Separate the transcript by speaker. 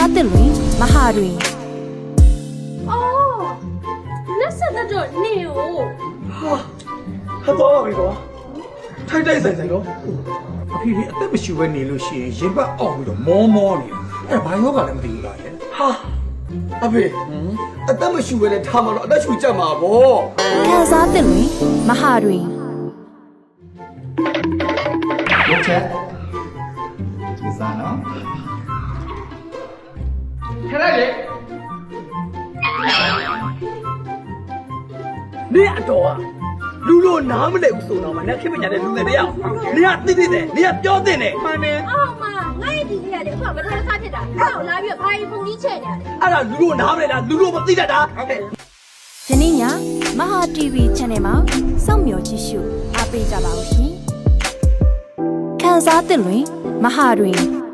Speaker 1: စားသစ်လွင်မဟာတွင်
Speaker 2: အော်လက်ဆက်တော့နေကို
Speaker 3: ဟာတော့ပါပြီကွာထိုက်တိုက်ဆိုင်ဆိုင်တော့အဖေဒီအသက်မရှိဘဲနေလို့ရှိရင်ရင်ပတ်အောက်ပြီးတော့မောနေအဲ့ဘာယောဂလည်းမသိဘူးလားရဲ့ဟာအဖေအသက်မရှိဘဲနဲ့ထားမှာတော့အသက်ရှူကြမှာဗော
Speaker 1: ခံစားသစ်လွင်မဟာတွင်
Speaker 4: ရုပ်ချက်ဒီစားနော်ခဏလေး
Speaker 3: နေအတော်ကလူလို့နားမလဲဘူးဆိုတော့မှနဲ့ခင်မညာတဲ့လူတွေတယောက်နေကသိတဲ့နေကပြောတဲ့နေမှန်တယ်
Speaker 2: အော်မငါ့ဒီလေးရတယ်အခုကမထားစားဖြစ်တာအဲ့တော့လာပြီးတော့ဘာကြီးပုံကြီးချဲ့နေရတယ်
Speaker 3: အဲ့ဒါလူလို့နားမလဲလားလူလို့မသိတတ်တာဟုတ်ကဲ့
Speaker 1: ယနေ့ညမဟာ TV Channel မှာစောင့်မျှော်ကြည့်ရှုအားပေးကြပါဦးရှင်ခံစားသစ်လွင်မဟာတွင်